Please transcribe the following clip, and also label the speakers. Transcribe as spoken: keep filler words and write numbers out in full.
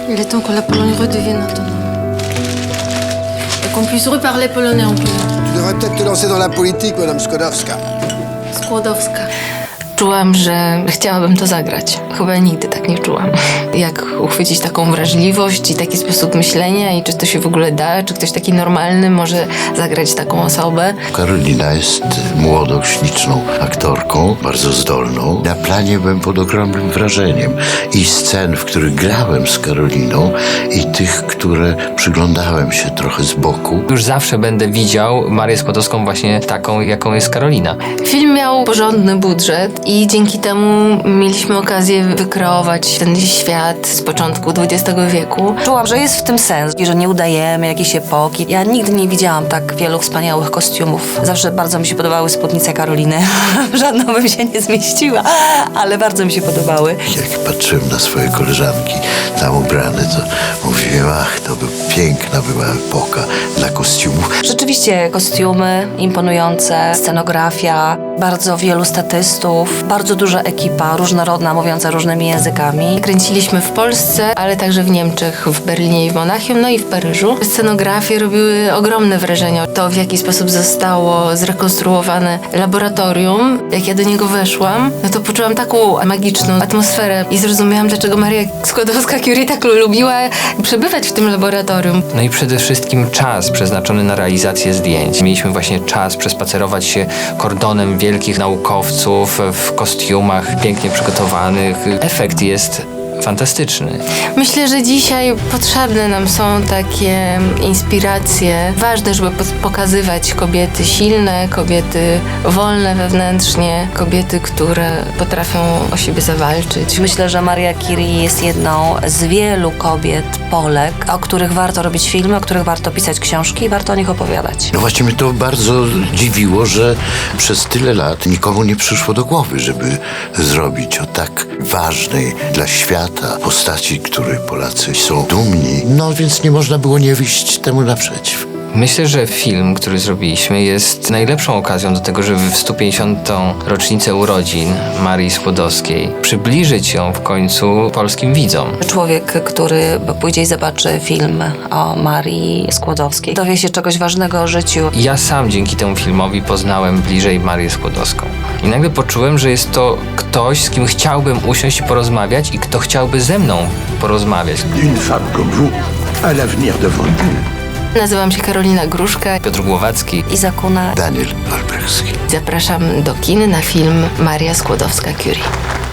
Speaker 1: Il est temps que la Pologne redevienne autonome. Et qu'on puisse reparler polonais en plus.
Speaker 2: Tu devrais peut-être te lancer dans la politique, Madame Skłodowska.
Speaker 1: Skłodowska.
Speaker 3: Czułam, że chciałabym to zagrać. Chyba nigdy tak nie czułam. Jak uchwycić taką wrażliwość i taki sposób myślenia i czy to się w ogóle da, czy ktoś taki normalny może zagrać taką osobę.
Speaker 4: Karolina jest młodą, śliczną aktorką, bardzo zdolną. Na planie byłem pod ogromnym wrażeniem i scen, w których grałem z Karoliną i tych, które przyglądałem się trochę z boku.
Speaker 5: Już zawsze będę widział Marię Skłodowską właśnie taką, jaką jest Karolina.
Speaker 3: Film miał porządny budżet i dzięki temu mieliśmy okazję wykreować ten świat z początku dwudziestego wieku.
Speaker 6: Czułam, że jest w tym sens i że nie udajemy jakiejś epoki. Ja nigdy nie widziałam tak wielu wspaniałych kostiumów. Zawsze bardzo mi się podobały spódnice Karoliny. W żadną bym się nie zmieściła, ale bardzo mi się podobały.
Speaker 4: Jak patrzyłem na swoje koleżanki tam ubrane, to mówiłem, ach, to by piękna była epoka dla kostiumów.
Speaker 6: Rzeczywiście kostiumy imponujące, scenografia, bardzo wielu statystów, bardzo duża ekipa, różnorodna, mówiąca różnymi językami.
Speaker 3: Kręciliśmy w Polsce, ale także w Niemczech, w Berlinie i w Monachium, no i w Paryżu. Scenografie robiły ogromne wrażenie. To, w jaki sposób zostało zrekonstruowane laboratorium, jak ja do niego weszłam, no to poczułam taką magiczną atmosferę i zrozumiałam, dlaczego Maria Skłodowska-Curie tak lubiła przebywać w tym laboratorium.
Speaker 5: No i przede wszystkim czas przeznaczony na realizację zdjęć. Mieliśmy właśnie czas przespacerować się kordonem wielkich naukowców w kostiumach pięknie przygotowanych. Efekt jest fantastyczny.
Speaker 3: Myślę, że dzisiaj potrzebne nam są takie inspiracje. Ważne, żeby pokazywać kobiety silne, kobiety wolne wewnętrznie, kobiety, które potrafią o siebie zawalczyć.
Speaker 6: Myślę, że Maria Curie jest jedną z wielu kobiet, Polek, o których warto robić filmy, o których warto pisać książki i warto o nich opowiadać.
Speaker 4: No właśnie mnie to bardzo dziwiło, że przez tyle lat nikomu nie przyszło do głowy, żeby zrobić o tak ważnej dla świata postaci, której Polacy są dumni. No więc nie można było nie wyjść temu naprzeciw.
Speaker 5: Myślę, że film, który zrobiliśmy, jest najlepszą okazją do tego, żeby w stu pięćdziesiątą rocznicę urodzin Marii Skłodowskiej przybliżyć ją w końcu polskim widzom.
Speaker 6: Człowiek, który pójdzie i zobaczy film o Marii Skłodowskiej, dowie się czegoś ważnego o życiu.
Speaker 5: Ja sam dzięki temu filmowi poznałem bliżej Marię Skłodowską. I nagle poczułem, że jest to ktoś, z kim chciałbym usiąść i porozmawiać i kto chciałby ze mną porozmawiać.
Speaker 7: Une femme comme vous a l'avenir devant elle.
Speaker 3: Nazywam się Karolina Gruszka.
Speaker 5: Piotr Głowacki.
Speaker 6: Iza Kuna.
Speaker 4: Daniel Olbrychski.
Speaker 3: Zapraszam do kin na film Maria Skłodowska-Curie.